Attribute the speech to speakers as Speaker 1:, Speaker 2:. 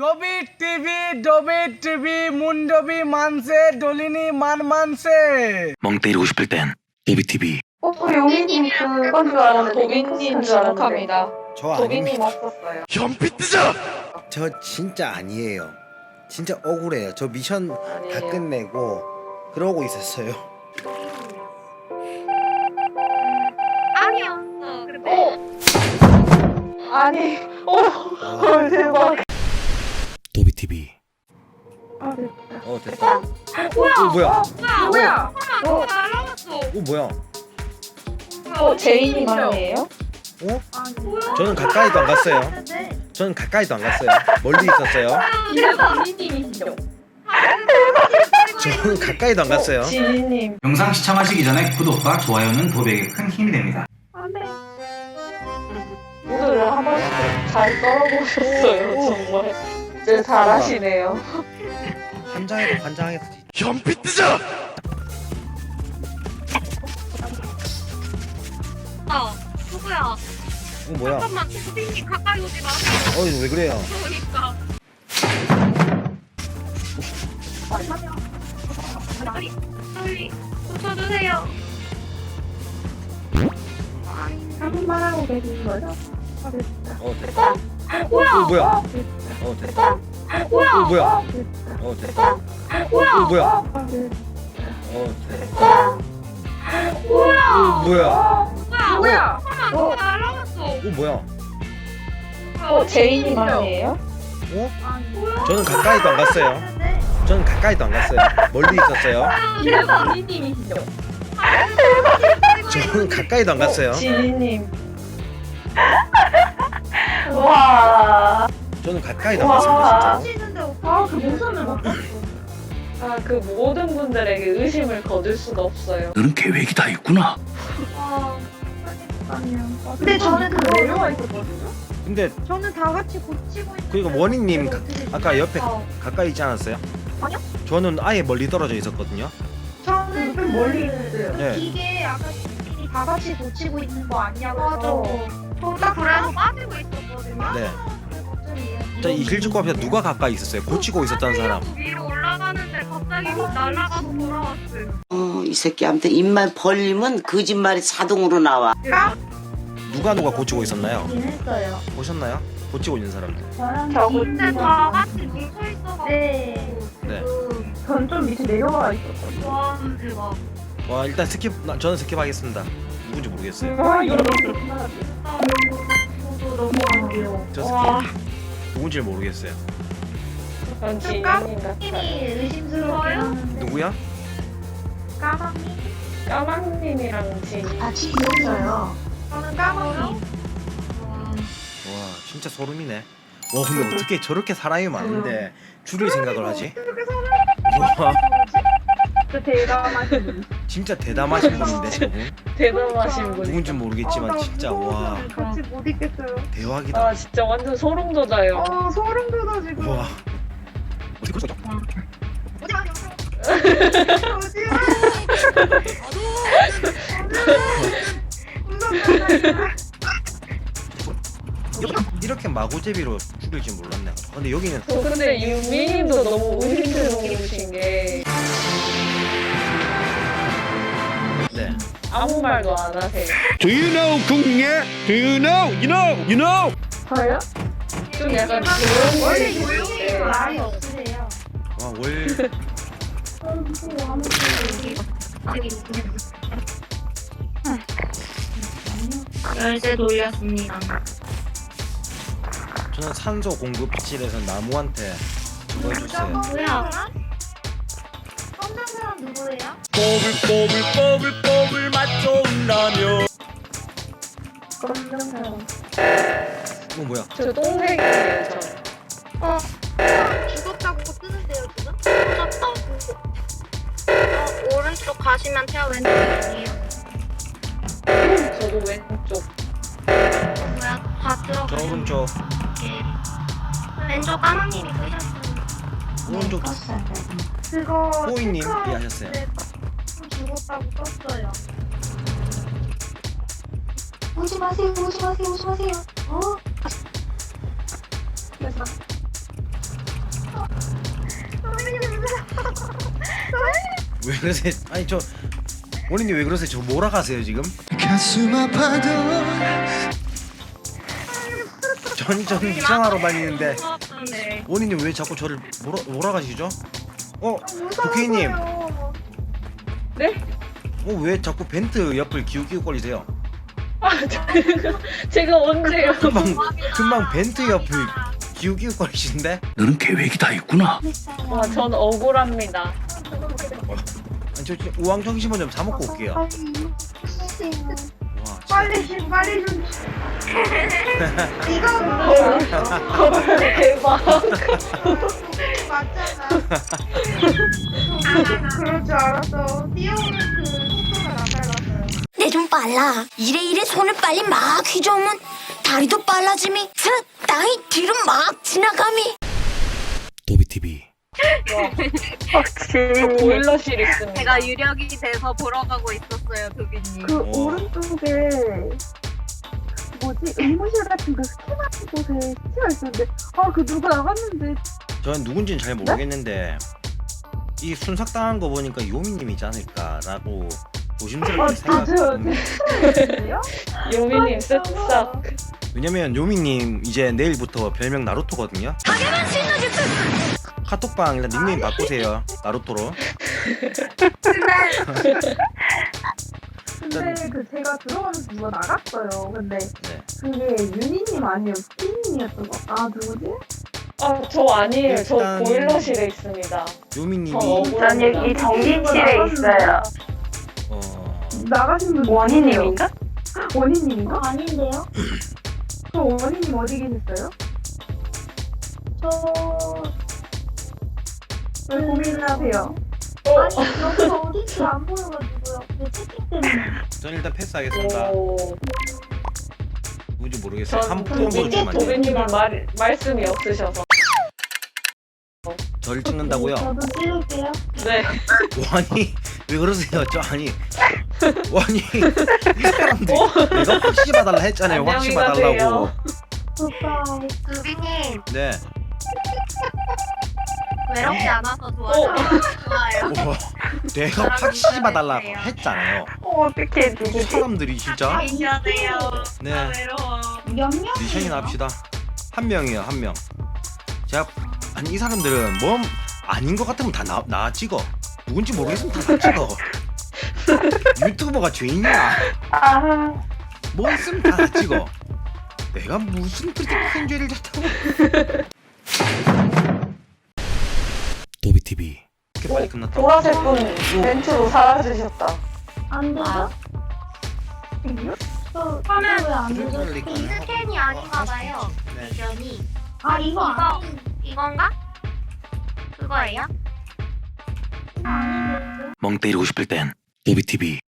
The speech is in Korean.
Speaker 1: 더비 TV 문더비 만세 돌리니 만만세.
Speaker 2: 멍 때리고 싶을 땐 더비 TV.
Speaker 3: 용인님 그건 줄 알았는데
Speaker 4: 도빈님 지목합니다.
Speaker 5: 저
Speaker 4: 도빈님
Speaker 5: 아닙니다.
Speaker 4: 없었어요.
Speaker 2: 현피 뜨자.
Speaker 5: 저 진짜 아니에요. 진짜 억울해요. 저 미션 다
Speaker 4: 아니에요.
Speaker 5: 끝내고 그러고 있었어요.
Speaker 6: 아니었어. 근데
Speaker 4: 아니, 대박.
Speaker 2: 더비 TV.
Speaker 5: 됐다.
Speaker 6: 뭐야?
Speaker 5: 뭐야?
Speaker 6: 뭐야? 너 날라갔어.
Speaker 5: 뭐야?
Speaker 4: 제이님 아니에요?
Speaker 5: 저는 가까이도 안 갔어요. 저는 가까이도 안 갔어요. 멀리 있었어요.
Speaker 4: 지니님이시죠?
Speaker 5: 저는 가까이도 안 갔어요.
Speaker 4: 지니님.
Speaker 7: 영상 시청하시기 전에 구독과 좋아요는 도배에게 큰 힘이 됩니다.
Speaker 4: 오늘은 한 번씩 잘 떨어보셨어요, 정말. 진짜 잘하시네요.
Speaker 5: 환장해도 환장했지.
Speaker 2: 현피 뜨자.
Speaker 6: 누구야?
Speaker 5: 뭐야?
Speaker 6: 잠깐만, 도빈님 가까이 오지 마세요.
Speaker 5: 왜 그래요?
Speaker 6: 그러니까. 빨리 고쳐주세요.
Speaker 3: 한번 하고 계신 거죠?
Speaker 5: 됐다.
Speaker 6: 뭐야?
Speaker 5: 뭐야? 됐다.
Speaker 6: 뭐야?
Speaker 5: 뭐야? 됐다.
Speaker 6: 뭐야?
Speaker 5: 뭐야? 됐다.
Speaker 6: 뭐야?
Speaker 5: 뭐야?
Speaker 6: 뭐야? 잠깐만, 너 날라갔어.
Speaker 5: 뭐야?
Speaker 4: 제이님 아니에요?
Speaker 5: 저는 가까이도 안 갔어요. 저는 가까이도 안 갔어요. 멀리 있었어요.
Speaker 4: 지니님이시죠?
Speaker 5: 저는 가까이도 안 갔어요.
Speaker 4: 지니님. 와.
Speaker 5: 저는 가까이도 안 갔습니다. 진짜.
Speaker 3: 그 모습을 못 봤어.
Speaker 4: 그 모든 분들에게 의심을 거둘 수가 없어요.
Speaker 2: 너는 계획이 다 있구나.
Speaker 3: 근데 저는 그 내려와 있었거든요.
Speaker 5: 근데
Speaker 3: 저는 다 같이 고치고 있는데
Speaker 5: 그리고 원희님
Speaker 3: 어떻게
Speaker 5: 아까 옆에
Speaker 3: 어.
Speaker 5: 가까이 있지 않았어요?
Speaker 3: 아니요.
Speaker 5: 저는 아예 멀리 떨어져 있었거든요.
Speaker 3: 저는 좀 멀리 있어요.
Speaker 5: 네.
Speaker 3: 이게 아까 분들이 다 같이 고치고 있는 거 아니냐고.
Speaker 6: 맞아. 저도 그래서 빠지고 있었거든요.
Speaker 5: 네. 이 길쭉고 앞에 누가 가까이 있었어요? 고치고 있었다는 사람.
Speaker 6: 위로 올라가는데 갑자기 날아가서 돌아왔어요.
Speaker 8: 이 새끼한테 입만 벌리면 거짓말이 자동으로 나와.
Speaker 5: 누가 고치고 있었나요?
Speaker 3: 했어요.
Speaker 5: 보셨나요? 고치고 있는 사람들.
Speaker 6: 근데 다 같이 뭉쳐 있어서.
Speaker 3: 네.
Speaker 5: 네.
Speaker 3: 전 좀 밑에 내려와 있었거든요.
Speaker 6: 와, 대박.
Speaker 5: 와 일단 저는 스킵하겠습니다. 누군지 모르겠어요.
Speaker 6: 저도 너무 안 돼요.
Speaker 5: 저 스킵. 누군지 모르겠어요.
Speaker 4: 전 지니님 같아요.
Speaker 3: 님이 의심스럽게 하는데
Speaker 5: 누구야?
Speaker 3: 까망님?
Speaker 4: 까망님이랑 지니.
Speaker 3: 같이 있었어요. 저는 까망님.
Speaker 5: 와 진짜 소름이네. 와 근데 어떻게 저렇게 사람이 많은데 줄일 생각을 하지? 와
Speaker 3: 그 대담하신 분.
Speaker 5: 진짜 대담하신 분인데 저분.
Speaker 4: 대단하신 분.
Speaker 5: 누군지 모르겠지만 진짜 와
Speaker 3: 같이 못 있겠어요.
Speaker 5: 대박이다.
Speaker 4: 아 진짜 완전 소름 돋아요.
Speaker 3: 소름 돋아 지금.
Speaker 5: 와 어떻게 그럴 수 있죠?
Speaker 3: 오지 마.
Speaker 5: 이렇게 마구제비로 죽일 줄 몰랐네. 근데 여기는
Speaker 4: 근데 유미님도 너무 의심스러우신 게
Speaker 5: 네.
Speaker 4: 아무 말도 안 하세요.
Speaker 2: Do you know 궁예? Do you know? You know? You know?
Speaker 4: 저요? 좀 약간
Speaker 3: 원래
Speaker 4: 조용히
Speaker 3: 조용히 말이 없으세요.
Speaker 5: 와월
Speaker 6: 열쇠 돌렸습니다.
Speaker 5: 저는 산소 공급실에서 나무한테 그거 해줬어요.
Speaker 6: 뭐야?
Speaker 3: 없는 사람 누구예요?
Speaker 2: 뽀글뽀글 맛 좋은 라면.
Speaker 5: 뭐야?
Speaker 4: 저 똥색이에요 저.
Speaker 6: 죽었다고 뜨는데요, 지금? 죽었다고. 오른쪽 가시면 태아 왼쪽이에요.
Speaker 4: 저도 왼쪽.
Speaker 6: 뭐야? 다
Speaker 5: 저
Speaker 6: 들어가요.
Speaker 5: 오른쪽
Speaker 6: 왼쪽 까망님이 끄셨어요.
Speaker 5: 오른쪽
Speaker 3: 그거
Speaker 5: 호이님
Speaker 3: 체크아웃
Speaker 5: 이해하셨어요?
Speaker 3: 때 죽었다고 떴어요. 오지 마세요. 오지 마세요. 오지 마세요. 그래서
Speaker 5: 왜 그러세요? 아니 저 원인님 왜 그러세요? 저 몰아가세요 지금?
Speaker 2: 가슴 아파도
Speaker 5: 전 이상하러 다니는데
Speaker 6: 네.
Speaker 5: 원인님 왜 자꾸 저를 몰아가시죠? 국회의님
Speaker 4: 네?
Speaker 5: 왜 자꾸 벤트 옆을 기웃기웃거리세요?
Speaker 4: 제가 언제요?
Speaker 5: 금방 벤트 옆을 기웃기웃거리시는데?
Speaker 2: 너는 계획이 다 있구나.
Speaker 4: 와, 전 억울합니다.
Speaker 5: 아니 저 지금 우왕정심원 좀 사 먹고 올게요. 와 진짜
Speaker 3: 빨리 좀.
Speaker 4: 대박.
Speaker 3: 맞잖아. 그럴 줄 알았어. 뛰어오는 그 속도가 안 빨랐어요.
Speaker 9: 내 좀 빨라. 이래 손을 빨리 막 휘저으면 다리도 빨라짐이. 땅이 뒤로 막 지나감이.
Speaker 2: 도비TV.
Speaker 4: 저 보일러실 있습니다.
Speaker 6: 제가 유력이 돼서 보러 가고 있었어요, 도비님.
Speaker 3: 그
Speaker 5: 와.
Speaker 3: 오른쪽에 뭐지 의무실 같은 그 스키 같은 곳에 스키가 있었는데 그 누가 나갔는데
Speaker 5: 저는 누군지는 잘 모르겠는데 이 순삭당한 거 보니까 요미님이지 않을까라고 조심스럽게 생각했거든요.
Speaker 4: 요미님 쓱싹.
Speaker 5: 왜냐면 요미님 이제 내일부터 별명 나루토거든요. 카톡방 일단 닉네임 바꾸세요. 나루토로.
Speaker 3: 근데 그 제가 들어가면서 누가 나갔어요. 근데
Speaker 5: 네.
Speaker 3: 그게 윤희님 아니에요, 스키님이었던 거. 누구지?
Speaker 4: 저 아니에요. 저
Speaker 5: 일단-
Speaker 4: 보일러실에 있습니다.
Speaker 5: 요미님이
Speaker 4: 전 여기
Speaker 3: 전기실에 있어요. 나가신 분
Speaker 4: 원희님인가?
Speaker 3: 원희님인가?
Speaker 6: 아닌데요?
Speaker 3: 저 원희님 어디 계셨어요? 왜 고민하세요?
Speaker 6: 여기서 어딘지 안 보여가지고요. 내 채팅 때문에.
Speaker 5: 전 일단 패스하겠습니다.
Speaker 4: 오.
Speaker 5: 누군지 모르겠어요.
Speaker 4: 전
Speaker 5: 한번 보여주면 안 돼요.
Speaker 4: 도비님은 말씀이 없으셔서.
Speaker 5: 저를 찍는다고요?
Speaker 6: 저도 찍을게요.
Speaker 4: 네.
Speaker 5: 아니 왜 그러세요? 아니 이 사람들 내가 확실히 봐달라 했잖아요. 확실히
Speaker 4: 안녕히
Speaker 5: 봐달라고.
Speaker 4: 가세요.
Speaker 6: 오빠, 도비님
Speaker 5: 네.
Speaker 6: 외롭지 않아서 좋아요. 좋아요.
Speaker 5: 우와, 내가 확실히 봐달라고 했잖아요.
Speaker 4: 어떻게
Speaker 5: 이 사람들이 진짜.
Speaker 6: 미안해요.
Speaker 5: 네.
Speaker 6: 외로워.
Speaker 5: 미션이나 합시다. 한 명이에요, 한 명. 제가 아니 이 사람들은 뭐 아닌 것 같으면 다 나 찍어. 누군지 모르겠으면 다 나 찍어. 유튜버가 죄인이야. 뭐 있으면 다 나 찍어. 내가 무슨 그렇게 큰 죄를 졌다고?
Speaker 2: 도비TV.
Speaker 5: 이렇게 빨리 끝났다.
Speaker 4: 보라색 분 벤츠로 사라지셨다.
Speaker 6: 안 되죠? 저 화면 왜안 되죠? 이 스캔이 아닌가 봐요.
Speaker 5: 네.
Speaker 6: 미션이. 이건가? 그거예요?
Speaker 2: 멍 때리고 싶을 땐 도비TV.